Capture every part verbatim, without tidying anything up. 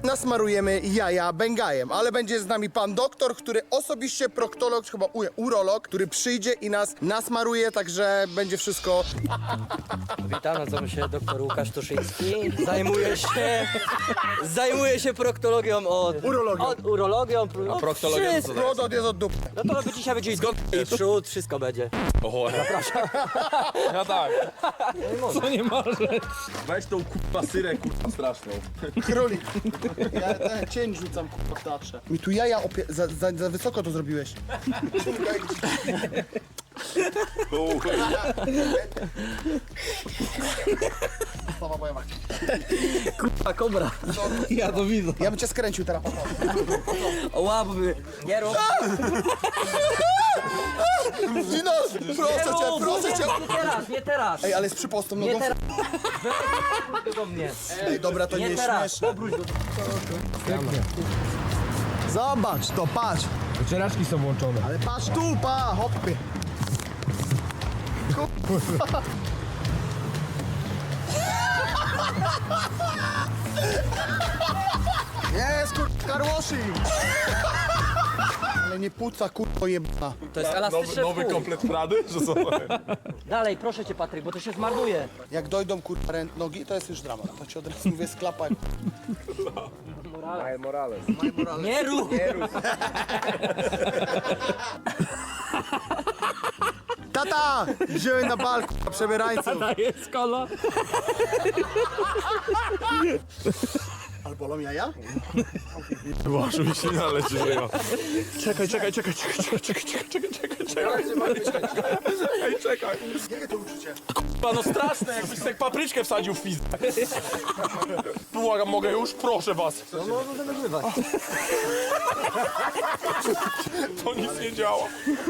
nasmarujemy jaja bengajem, ale będzie z nami pan doktor, który osobiście, proktolog, chyba u, urolog, który przyjdzie i nas nasmaruje, także będzie wszystko. Witam, nazywam się doktor Łukasz Tuszyński. Zajmuję się, zajmuję się proktologią od... Urologią. Od urologią. No, proktologią to wszystko. Prodot jest od dupy. No to by dzisiaj będzie i przód, wszystko będzie. Oho, zapraszam. Ja tak. Co nie może? Weź tą kurwa syrę kurwa straszną. Królik. Ja ten cień rzucam kurwa w teatrze. Mi tu jaja opie... za, za, za wysoko to zrobiłeś. Sława moja macie. Kurwa, kobra. Ja to widzę. Ja bym cię skręcił teraz. O łapy. Nie rób. Dino, proszę cię, proszę cię. Nie teraz, nie teraz. Ej, ale z przypostą Nie nogą. teraz. Weź do mnie. Ej, dobra, to nie, Nie jest teraz. śmieszne. Zobacz, to patrz. Wycieraczki są włączone. Ale patrz tu, pa, hopy. Kurwa. Jest, kurwa, karłoshing. Ale nie puca, kurwa jebana. To jest elastyczne Nowy, nowy wpół. komplet Prady? Że co? Dalej, proszę cię Patryk, bo to się zmarnuje. Jak dojdą, kurwa, rę- nogi, to jest już dramat. To ci od razu mówię, sklapaj. Morales. Nie rób. Tata! Wziąłem na bal, kurwa, przebierańców. Jest kola. Ale bolą jaja? Boże, mi się naleci żyją. Czekaj, czekaj, czekaj, czekaj, czekaj, czekaj, czekaj, czekaj, czekaj. Ej, czekaj. Jakie to uczucie? Kurwa, no straszne, jakbyś tak papryczkę wsadził w pizdę. Błagam, mogę już? Proszę was. No, no, no, nagrywać. To nic nie działa.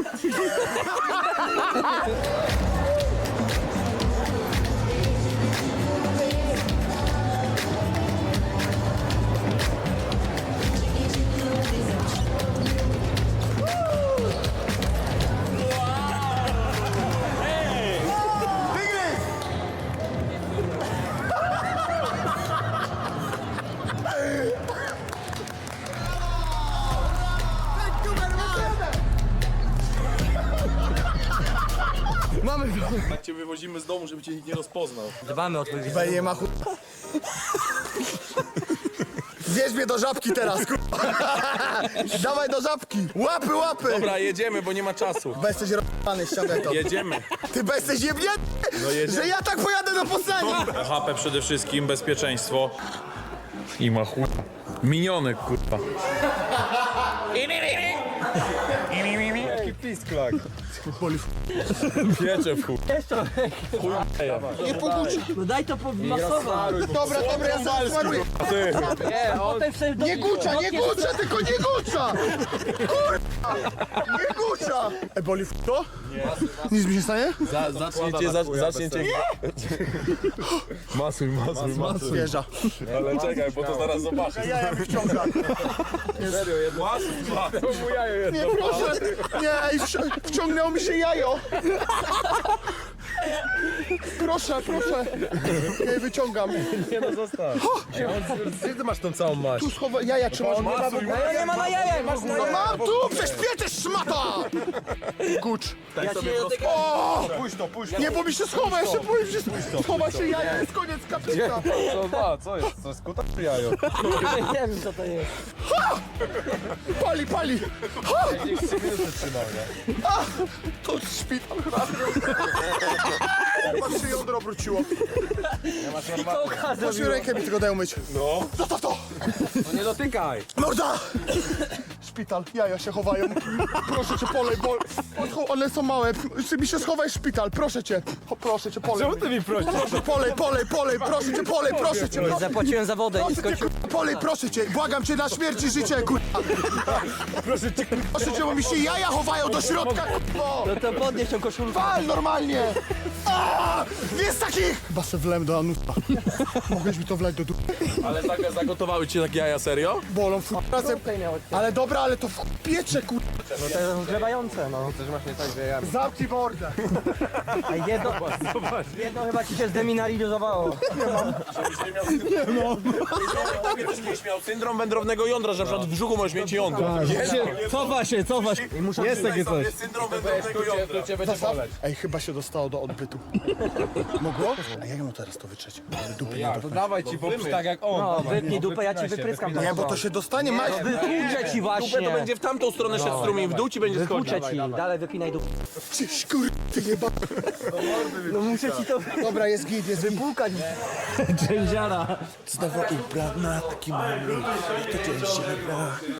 Mamy go. Tak cię wywozimy z domu, żeby cię nikt nie rozpoznał. Dbamy o twój Weź nie ma chu... Wieź mnie do żabki teraz, kurwa. Dawaj do żabki. Łapy, łapy. Dobra, jedziemy, bo nie ma czasu. Bo jesteś r***any, ściągaj to. Jedziemy. Ty bo jesteś jebnięty, No jedziemy. że ja tak pojadę do Poznania. H P przede wszystkim, bezpieczeństwo. I ma chuj. Minionek, kurwa. Jaki pisklak. Piecze w chuj. Nie poguczy. No daj to pomasować. Dobra, dobra, ja sam smaruję. Nie, potem sobie Nie gucza, nie gucza, tylko nie gucza. Kurwa. Nie gucza. E, boli w to? Nie. Nic mi się stanie? Za, zacznie cię, za, zacznie cię... Masuj, masuj, masuj. Wjeżdża. Ale czekaj, bo to zaraz zobaczysz. Ja ja wyciągam. Serio, jedno. Nie, proszę. Nie, ej, wci- wciągnęło mi się jajo. Proszę, proszę. Nie, wyciągam. Nie no, zostaw. Gdzie ty masz tą całą maść? Tu schowa... jaja trzymasz. Masuj, No nie ma na jajach, masz na No mam tu, przecież pieczesz, szmata! Gucz. Ja ci nie dotykam. O! Puść to, puść to. Nie, bo mi się schowa, ja się boję, że schowa się jaja, jest koniec kapita. Co, dwa, co jest? To jest kuta czy jajo? Nie wiem co to jest. Pali, pali. Trzymał, nie? To szpital. Patrz, się jądro obróciło. Patrz, rękę mi tylko daj umyć. No. Zostaw to! No nie dotykaj! Morda! Szpital, jaja się chowają. Proszę cię, polej, bo one są małe. Ty mi się schowaj szpital, proszę cię. O, proszę cię, polej. Czemu ty mi prosisz? Proszę, polej, polej, polej, proszę cię, polej, proszę cię. Nie Proszę, zapłaciłem za wodę, nie proszę cię, skończyłem. kurwa, polej, proszę cię. Błagam cię na śmierć i życie, kurwa. Proszę cię, Proszę cię, bo mi się jaja chowają do środka, kurwa. No to podnieś tą koszulkę. Wal normalnie! A! Jest takich! Chyba se wlem do anusa. Mogłeś mi to wlać do dupy? Ale zag- zagotowały cię takie jaja, serio? Bolą w razem. Ale dobra, ale to w piecze, kurwa. No to rozgrzewające, no. Też masz nie tak, że ja... Zamknij mordę! A jedno, jedno chyba ci się zdeminalizowało. Miał syndrom wędrownego jądra, że na przykład w brzuchu możesz mieć jądro. Cofa się, cofa się. Jest takie coś. Syndrom wędrownego jądra. Cię będzie boleć. Ej, chyba się dostało do odbytu. Mogło? A jak mu teraz to wytrzeć? Ale dupy nie To dawaj ci poprzeć tak jak on. No, wytnij dupę, ja ci wypryskam. Nie, bo to się dostanie, masz. Wytłuczę ci Dupę właśnie. to będzie w tamtą stronę szedł strumień, w dół ci będzie schodził. Wytłuczę ci, dalej wypinaj dupę. Czyś, kur... ty jeba... No muszę ci to Dobra, jest git, jest git. wypłukać. Znowu ubrana, taki mały, to cię